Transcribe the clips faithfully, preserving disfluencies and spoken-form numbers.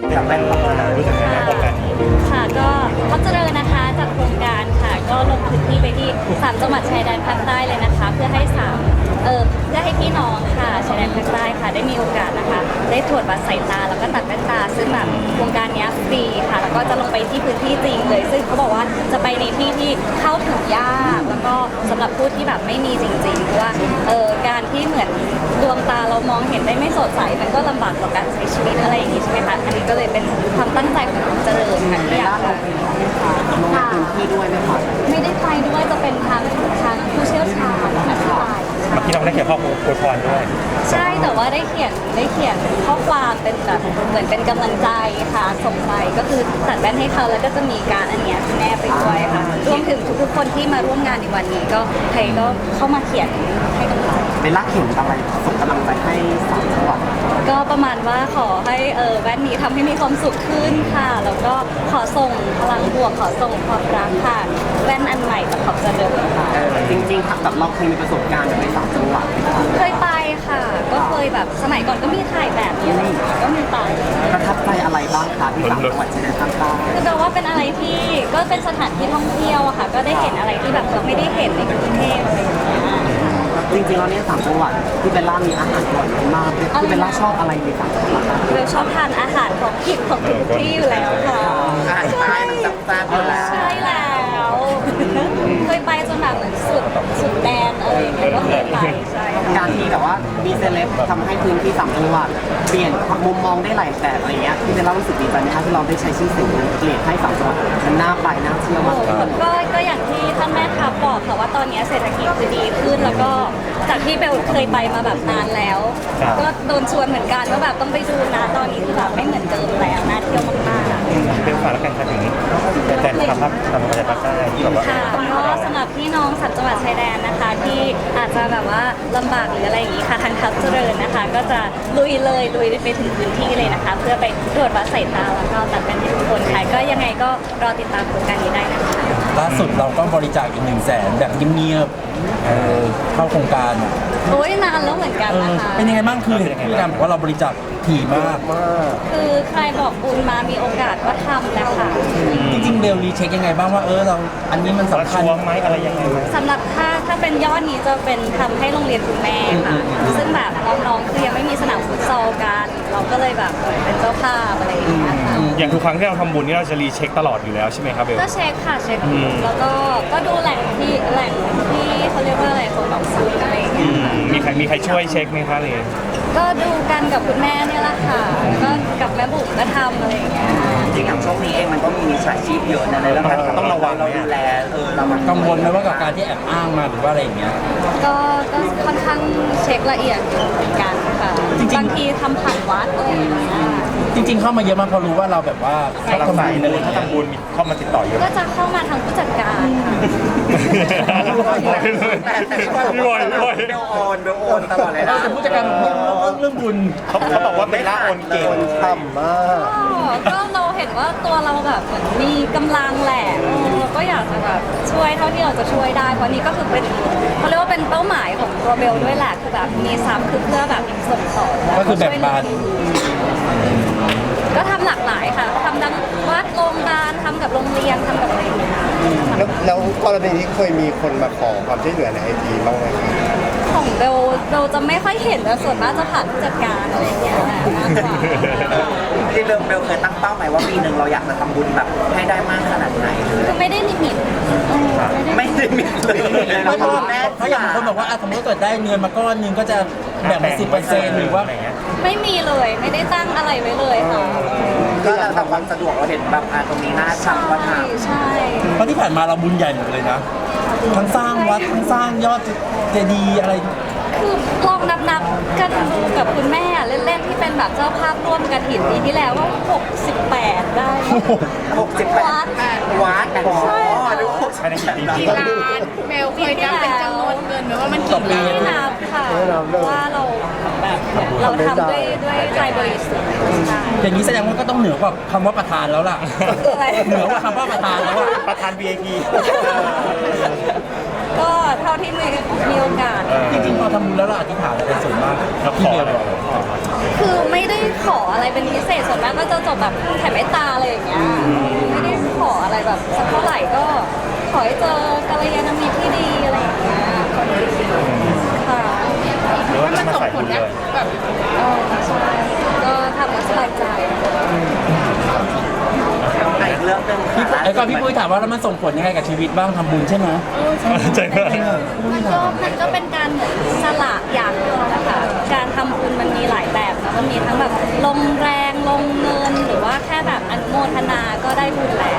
จากแบงค์รู้สึกยังไงโครงการนี้ค่ะก็พัฒนานะคะจากโครงการค่ะก็ลงพื้นที่ไปที่สามจังหวัดชายแดนภาคใต้เลยนะคะเพื่อให้สามเออเพื่อให้พี่น้องค่ะชายแดนภาคใต้ค่ะได้มีโอกาสนะคะได้ตรวจวัดสายตาแล้วก็ตัดแว่นตาซึ่งแบบโครงการนี้ฟรีค่ะแล้วก็จะลงไปที่พื้นที่จริงเลยซึ่งเขาบอกว่าจะไปในที่ที่เข้าถึงยากแล้วก็สำหรับผู้ที่แบบไม่มีจริงๆเพราะว่าเออการที่เหมือนดวงตาเรามองเห็นได้ไม่สดใสมันก็ลำบากต่อการใช้ชีวิตอะไรอย่างนี้ใช่ไหมคะอันนี้ก็เลยเป็นความตั้งใจของคุณเจริญค่ะที่อยากลงค่ะพื้นที่ด้วยไหมคะไม่ได้ไปด้วยจะเป็นทางทางผู้เชี่ยวชาญอธิบายเมื่อกี้น้องได้เขียนข้อความอวยพรด้วยใช่แต่ว่าได้เขียนได้เขียนข้อความเป็นแบบเหมือนเป็นกำลังใจค่ะส่งไปก็คือตัดแว่นให้เขาแล้วก็จะมีการอันเนี้ยแนบไปด้วยค่ะรวมถึงทุกๆคนที่มาร่วมงานในวันนี้ก็ใครก็เข้ามาเขียนให้กำลังใจเป็นลักเขียนอะไรส่งกำลังใจให้สามจังหวัดก็ประมาณว่าขอให้เออแว่นนี้ทำให้มีความสุขขึ้นค่ะแล้วก็ขอส่งพลังบวกขอส่งความรักค่ะแว่นอันใหม่จากขอบเจริญค่ะจริงๆแบบเราเคยมีประสบการณ์ในสามจังหวัดเคยไปค่ะก็เคยแบบสมัยก่อนก็มีถ่ายแบบนี้อะไรอย่างเงี้ยก็มีไปประทับใจอะไรบ้างคะที่สามจังหวัดชายแดนภาคใต้คือแปลว่าเป็นอะไรที่ก็เป็นสถานที่ท่องเที่ยวอะค่ะก็ได้เห็นอะไรที่แบบเราไม่ได้เห็นในกรุงเทพอะไรอย่างเงี้ยจริงๆแล้วเนี่ยสามจังหวัดที่เบลล่ามีอาหารอร่อยมากที่เบลล่าชอบอะไรในสามจังหวัดเบลชอบทานอาหารของกินของทุกที่อยู่แล้วค่ะอาหารใต้มันจับจ้านอยู่แล้วใช่แล้วเคยไปจนแบบเหมือนสุดสุดแดนอะไรอย่างเงี้ยก็เคยไปใช่การที่แบบว่ามีเซเลบทำให้พื้นที่สามจังหวัดเปลี่ยนมุมมองได้หลายแบบอะไรเงี้ยที่เบลล่ารู้สึกดีใจนะคะที่เราได้ใช้ชื่อเสียงเปลี่ยนให้สามจังหวัดมันน่าไปน่าเที่ยวมากก็ก็อย่างที่ท่านแม่ทัพบอกค่ะว่าตอนนี้เศรษฐกิจคือดีขึ้นแล้วก็จากที่เบลเคยไปมาแบบนานแล้วก็โดนชวนเหมือนกันว่าแบบต้องไปดูนะตอนนี้คือแบบไม่เหมือนเดิมแล้วน่าเที่ยวมากๆเป็นฝากแล้วกันค่ะถึงแต่ทำภาพทำมาจากภาคใต้ที่แบบว่าค่ะก็สำหรับพี่น้องสามจังหวัดชายแดนนะคะที่อาจจะแบบว่าลำบากหรืออะไรอย่างนี้ค่ะทางทัพเจริญนะคะก็จะลุยเลยลุยไปถึงพื้นที่เลยนะคะเพื่อไปตรวจวัดสายตาแล้วก็ตัดเป็นให้ทุกคนค่ะก็ยังไงก็รอติดตามโครงการนี้ได้นะคะล่าสุดเราก็บริจาคอีกหนึ่งแสนแบบเงียบๆเข้าโครงการโอ้ยนานแล้วเหมือนกันนะคะเป็นยังไงบ้างคือเห็นพี่การบอกว่าเราบริจาคถี่มากคือใครบอกบุญมามีโอกาสก็ทำนะคะจริงๆเบลรีเช็คยังไงบ้างว่าเออเราอันนี้มันสำคัญไหมอะไรยังไงสำหรับถ้าถ้าเป็นยอดนี้จะเป็นทำให้โรงเรียนคุณแม่ค่ะซึ่งแบบน้องๆคือยังไม่มีสนามฟุตซอลกันเราก็เลยแบบเป็นเจ้าภาพอะไรอย่างเงี้ยค่ะอย่างทุกครั้งที่เราทำบุญนี่เราจะรีเช็คตลอดอยู่แล้วใช่ไหมครับเบลก็เช็คค่ะเช็คแล้วก็ก็ดูแหล่งที่แหล่งที่เขาเรียกว่าอะไรของแบบซื้ออะไรอย่างเงี้ยมีใครมีใครช่วยเช็คไหมคะเลยก็ดูกันกับคุณแม่เนี่ยแหละค่ะก็กับแม่บุ๋มก็ทำอะไรอย่างเงี้ยจริงอย่างช่วงนี้เองมันก็มีมิจฉาชีพเยอะนะในเรื่องการต้องระวังเราดูแลเออเรากังวลไหมว่ากับการที่แอบอ้างมาหรือว่าอะไรอย่างเงี้ยก็ก็ค่อนข้างเช็คละเอียดอยู่เหมือนกันค่ะบางทีทำผ่านวัดอะไรอย่างเงี้ยจริงๆเข้ามาเยอะมากพอรู้ว่าเราแบบว่าถ้าทำบุญถ้าทำบุญมีเข้ามาติดต่อเยอะก็จะเข้ามาทางผู้จัดการพี่บอยพี่บอยเบลโอนเบลโอนตลอดเลยนะแต่ผู้จัดการเรื่องบุญเขาเขาบอกว่าเป็นล่าโอนเก่งต่ำมากก็เราเห็นว่าตัวเราแบบเหมือนมีกำลังแหละเราก็อยากจะแบบช่วยเท่าที่เราจะช่วยได้เพราะนี้ก็คือเป็นเขาเรียกว่าเป็นเป้าหมายของตัวเบลด้วยแหละคือแบบมีทรัพย์คือเพื่อแบบส่งต่อก็คือแบ่งบานก็ทำหลากหลายค่ะทำทั้งวัดโรงพยาบาลทำกับโรงเรียนทำกับอะไรอย่างเงี้ยแล้วกรณีนี้เคยมีคนมาขอความช่วยเหลือในไอจีบ้างไหมของเบลเราจะไม่ค่อยเห็นแต่ส่วนมากจะผ่านผู้จัดการอะไรอย่างเงี้ยมากกว่าที่เบลเบลเคยตั้งเป้าหมายว่าปีหนึ่งเราอยากจะทำบุญแบบให้ได้มากขนาดไหนคือไม่ได้ลิมิตไม่ได้ลิมิตเลยไม่เพราะเพราะอย่างบางคนบอกว่าสมมติเกิดได้เงินมาก้อนนึงก็จะแบ่งเป็นสิบเปอร์เซ็นต์หรือว่าไม่มีเลยไม่ได้ตั้งอะไรไว้เลยค่ะก็แล้วแต่ความสะดวกเราเห็นแบบตรงนี้น่าทำก็ทำใช่เพราะที่ผ่านมาเราบุญใหญ่หมดเลยนะทั้งสร้างวัดทั้งสร้างยอดเจดีย์อะไรคือลองนับนับกันดูกับคุณแม่เล่นๆที่เป็นแบบเจ้าภาพร่วมกฐินปีที่แล้วว่าหกสิบแปดได้หกสิบแปดวัดใช่ดูภายในกี่ปีล้านเบลเคยนับเป็นจำนวนเงินไหมว่ามันกี่ล้านไม่นับค่ะว่าเราแบบเราทำด้วยด้วยใจบริสุทธิ์อย่างนี้แสดงว่าก็ต้องเหนือกว่าคำว่าประธานแล้วล่ะเหนือกว่าคำว่าประธานแล้วว่าประธาน วี ไอ พีก็เท่าที่มีมีโอกาสจริงๆพอทำบุญแล้วเราอธิษฐานอะไรเป็นส่วนมากแล้วขออะไรคือไม่ได้ขอออะไรเป็นพิเศษส่วนมากก็จะจบแบบแผ่เมตตาอะไรอย่างเงี้ยไม่ได้ขออะไรแบบสักเท่าไหร่ก็ขอให้เจอกัลยาณมิตรที่ดีอะไรอย่างเงี้ยค่ะหรือว่าจะมาใส่บุญเลยเออใช่ก็ทำแล้วสบายใจอีกเรื่องหนึงพี่ค่ะไอ้ก่อนพี่ปุ้ยถามว่าแล้วมันส่งผลยังไงกับชีวิตบ้างทำบุญใช่ไหมใช่ไหมมันก็มันก็เป็นการเหมือนสละอย่างหนึ่งนะคะ การทำบุญมันมีหลายแบบนะมันมีทั้งแบบลงแรงลงเงินหรือว่าแค่แบบอนุโมทนาก็ได้บุญแล้ว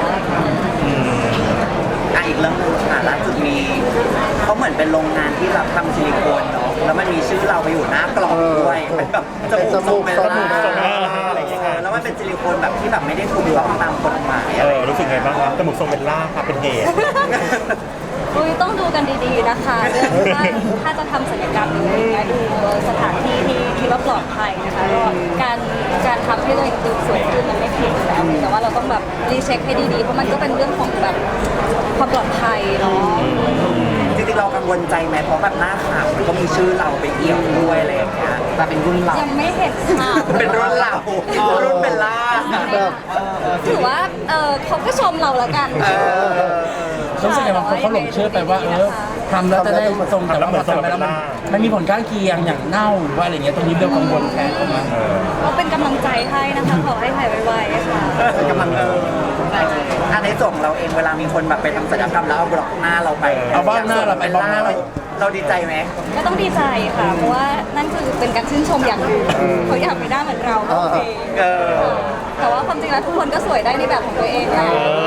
อ่ะอีกเรื่องหนึงค่ะล่าสุดมีเขาเหมือนเป็นโรงงานที่รับทำซิลิโคนเนาะแล้วมันมีชื่อเราไปอยู่หน้ากล่องด้วยเป็นแบบจมูกทรงเบลล่าจมูกทรงเบลล่าอะไรอย่างเงี้ยค่ะแล้วมันเป็นซิลิโคนแบบที่แบบไม่ได้ถูกต้องตามกฎหมายเออะไรอรู้สึกไงบ้างครับจมูกทรงเบลล่าครับเป็นเหตุอุ้ยต้องดูกันดีๆนะคะเรื่องถ้าถ้าจะทำศัลยกรรมหรืออะไรอย่างเงี้ยดูสถานที่ที่คิดว่าปลอดภัยนะคะก็การการทำให้ตัวเองดูสวยขึ้นมันไม่ผิดอยู่แล้วแต่ว่าเราต้องแบบรีเช็คให้ดีๆเพราะมันก็เป็นเรื่องของแบบความปลอดภัยเนาะจริงๆเรากังวลใจไหมเพราะแบบหน้าขาวมันก็มีชื่อเราไปเอี่ยวด้วยอะไรอย่างเงี้ยแต่เป็นรุ่นเรายังไม่เห็นข่าวเป็นรุ่นเรารุ่นเบลล่าถือว่าเออเขาก็ชมเราแล้วกันเออรู้สึกไงบางคนเขาหลงเชื่อไปว่าเออทำแล้วจะได้ทรงแต่ว่าพอทำไปแล้วมันมันมีผลข้างเคียงอย่างเน่าหรือว่าอะไรเงี้ยตรงนี้เบลกังวลแทนเขามาก็เป็นกำลังใจให้นะคะขอให้หายไวๆค่ะกำลังเอออันในส่วนของเราเองเวลามีคนแบบไปทำศัลยกรรมแล้วเอาบล็อกหน้าเราไปเอาบ้างหน้าเราไปบ้างหน้าเราเราดีใจไหมก็ต้องดีใจค่ะ เพราะว่านั่นคือเป็นการชื่นชมอย่างหนึ่งเขาอยากมีหน้าเหมือนเราก็โอเคเออแต่ว่าความจริงแล้วทุกคนก็สวยได้ในแบบของตัวเองนะ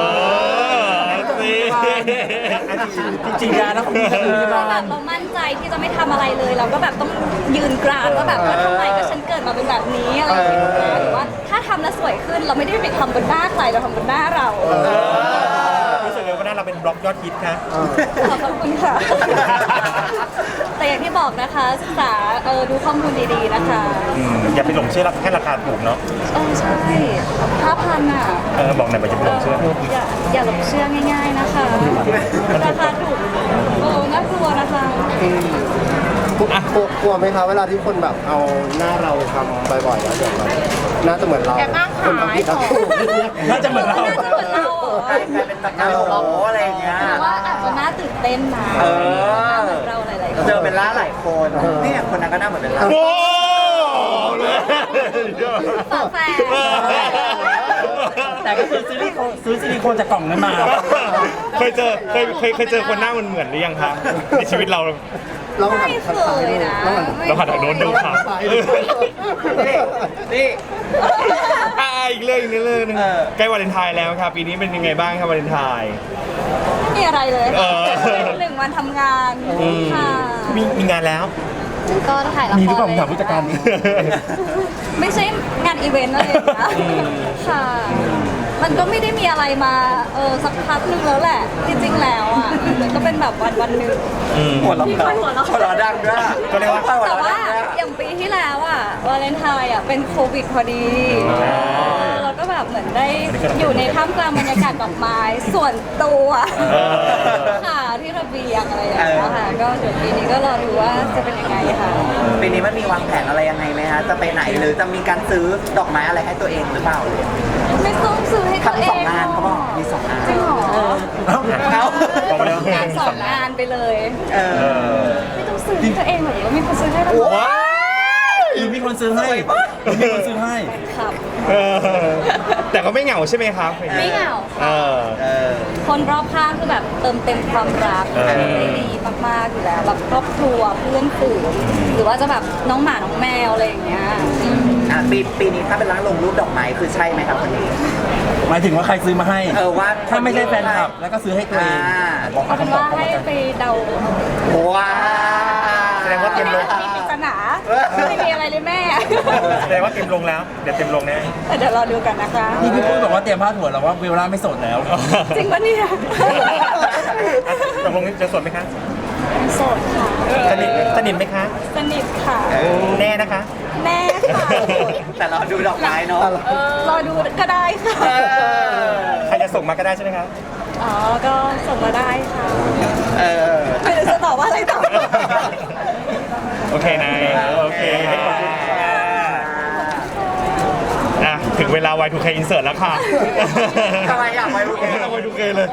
จริงๆยาแล้วคุณจะดูที่บ้าแบนบเรามั่นใจที่จะไม่ทำอะไรเลย เราก็แบบต้องยืนกรานว่าแบบว่าทำไมก็ฉันเกิดมาเป็นแบบนี้อะไรอย่างเงี้ยหรือว่าถ้าทำแล้วสวยขึ้นเราไม่ได้ไปทำบนหน้าใครเราทำบนหน้าเรารู้สึกไงว่าหน้าเราเป็นบล็อกยอดฮิตคะขอบคุณค่ะ แต่อย่างที่บอกนะคะศึกษาเออดูข้อมูลดีๆนะคะอืมอย่าไปหลงเชื่อแค่ราคาถูกเนาะเออใช่ห้าพันอ่ะเออบอกหน่อยว่าอย่าไปหลงเชื่ออย่าอย่าหลงเชื่อง่าย ๆนะคะ ราคาถูกเออน่ากลัวนะคะกลัวกลัวกลัวไหมคะเวลาที่คนแบบเอาหน้าเราไปทำบ่อยๆแล้วเดี๋ยวแบบน่าจะเหมือนเราแอบอ้างขายคนทำผิดทำถูกน่าจะเหมือนเราน่าจะเหมือนเราเหรอกลายเป็นตะการโอ้อะไรอย่างเงี้ยแต่ว่าอาจจะน่าตื่นเต้นนะเออน่าเหมือนเราหลายๆคนเจอเบลล่าหลายคนเนี่ยคนนั้นก็น่าเหมือนเบลล่าโอ้เลยฝาแฝดแต่ก็คือซื้อซิลิโคนซื้อซิลิโคนจากกล่องนั้นมาเคยเจอเคยเคยเคยเจอคนหน้ามันเหมือนหรือยังคะในชีวิตเราเราหันไม่ทางเคซ้ายยดูนะเราหันทางโน้นดูค่ะนี่นี่อ่าอีกเรื่องอีกเรื่องหนึงเออใกล้วาเลนไทน์แล้วครับปีนี้เป็นยังไงบ้างครับวาเลนไทน์ไม่มีอะไรเลยเออหนึ่งวันทำงานค่ะมีมีงานแล้วก็ถ่ายละครมีหรือเปล่าผมถามผู้จัดการนี่ไม่ใช่งานอีเวนต์อะไรอย่างเงี้ยค่ะ มันก็ไม่ได้มีอะไรมาเออสักพักหนึงแล้วแหละ จริงๆแล้วอ่ะมันก็เป็นแบบวันวันๆหนึ่งหัวเราะหัวเราะดังด้วยก็เรียกว่าหัวแต่เราะว่าดังด้วยอย่างปีที่แล้วอ่ะวาเลนไทน์อ่ะเป็นโควิดพอดีเราก็แบบเหมือนได้อยู่ในท่ามกลางบรรยากาศดอกไม้ส่วนตัวค่ะที่ระเบียงอะไรอย่างเงี้ยค่ะก็เดี๋ยวปีนี้ก็รอดูว่าจะเป็นยังไงค่ะปีนี้มันมีวางแผนอะไรยังไงไหมฮะจะไปไหนหรือจะมีการซื้อดอกไม้อะไรให้ตัวเองหรือเปล่าไม่ต้องซื้อให้ตัวเอทำสอง งงานเขาบอกมีสองงานจริงเหรอเอ้าเอาบอกมาแล้วงานสองงานไปเลยเอเอออไม่ต้องซื้อให้ตัวเองหรอกว่ามีคนซื้อให้เราว้าหรือมีคนซื้อให้หรือมีคนซื้อให้ครับเออแต่ก็ไม่เหงาใช่ไหมครับไม่เหงาเออเออคนรอบข้างคือแบบเติมเต็มความรักเออได้ดีมากๆอยู่แล้วแบบครอบครัวเพื่อนฝูงหรือว่าจะแบบน้องหมาน้องแมวอะไรอย่างเงี้ยอ่ะปีปีนี้ถ้าเป็นร้านลงรูปดอกไม้คือใช่ไหมครับคนนี้หมายถึงว่าใครซื้อมาให้เออว่าถ้าไม่ใช่แฟนคลับแล้วก็ซื้อให้ตัวเองอ่าบอกเอาเอาเป็นคำตอว่าบเข้าให้มาไปเดาว้าแสดงว่าเต็มลงมีปริศนาไม่มีอะไรเลยแม่แสดงว่าเต็มลงแล้ว เดี๋ยวเต็มลงแน่เดี๋ยวรอดูกันนะคะนี่พี่ปุ้ยบอกว่าเตรียมผ้าถั่วแล้วว่าเวลาไม่โสดแล้วจริงปะเนี่ยตกลงจะสวดไหมคะโสดค่ะสนิทสนิทไหมคะสนิทค่ะแน่นะคะแน่ค่ะแต่เราดูดอกไม้เนาะรอดูก็ได้ค่ะเออใครจะส่งมาก็ได้ใช่ไหมครับอ๋อ ก็ส่งมาได้ค่ะเออไม่รู้จะตอบว่าอะไรต่อโอเคนายโอเคขอบคุณค่ะเวลา วาย ทู เค insert แล้วค่ะทำไมอยาก วาย ทู เคเอา วาย ทู เค เลย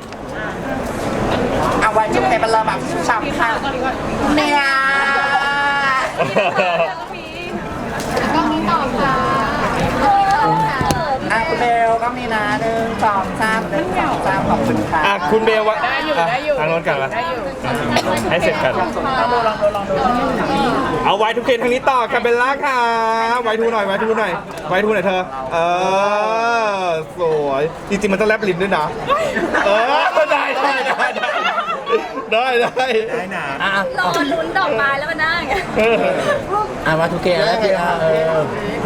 เอาไว้จุ๊บในบัลลแบบช้ำค่ะเนี่ยก็มีต่อค่ะอ่ะคุณเบลก็มีนะหนึ่งสองสามหนึ่งสองสามขอบคุณค่ะอ่ะคุณเบลวะได้อยู่ได้อยู่ทางโน้นกันละให้เสร็จกันลองดูลองดูลองดูเอา วาย ทู เค ทางนี้ต่อคาเบลล่าค่ะ วาย ทู หน่อย วาย ทู หน่อย วาย ทู หน่อยเธอ เออ สวย จริงๆ มันต้องแลบลิ้นด้วยนะ เออ ได้ได้ได้ได้ได้ได้ได้นะอ่ะรอลุ้นดอกไม้แล้วมานั่งอ่ะมาทุกเกมแล้วพี่อ่ะเออ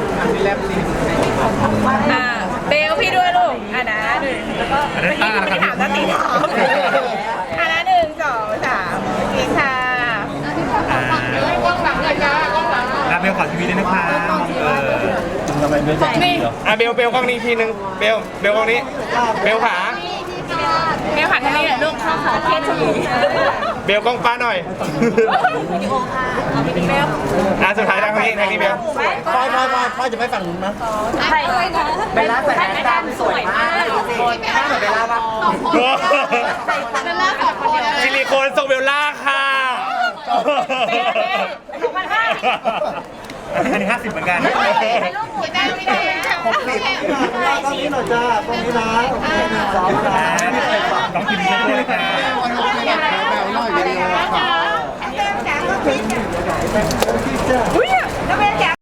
อ่าเบลพี่ด้วยลูกอ่ะนะหนึ่งแล้วก็เมื่อกี้คุณไม่ถามนาตีถามอ่ะนะหนึ่งสองสามโอเคค่ะกล้องหลังเลยจ้ากล้องหลังอ่ะเบลขอทีวีด้วยนะคะเออทำไมไม่ได้นี่อ่ะเบลเบลกล้องนี้อีกทีนึง เบล เบลกล้องนี้ เบลขาเบลหันทางนี้หน่อยลูกเข้าขาเทสทีเบลกล้องป้าหน่อยวิดีโอค่ะเบลอ่ะสุดท้ายทางนี้ทางนี้เบลพอยพอยพอยพอยจะไปฝั่งนู้นมั้ยใครเลยนะเบลล่าใส่แว่นดำสวยมากดูสิหน้าเหมือนเบลล่าปะซิลิโคนทรงเบลล่าค่ะเบลเบลสองพันห้าอันนี้ห้าสิบเหมือนกันให้ลูกหัวใจไม่ได้นะหกสิบตรงนี้หน่อยจ้าตรงนี้นะสองสามน้องกินช่วยค่ะแบบหน่อยวิดีโอค่ะอุ้ยแล้วเบลจ๋า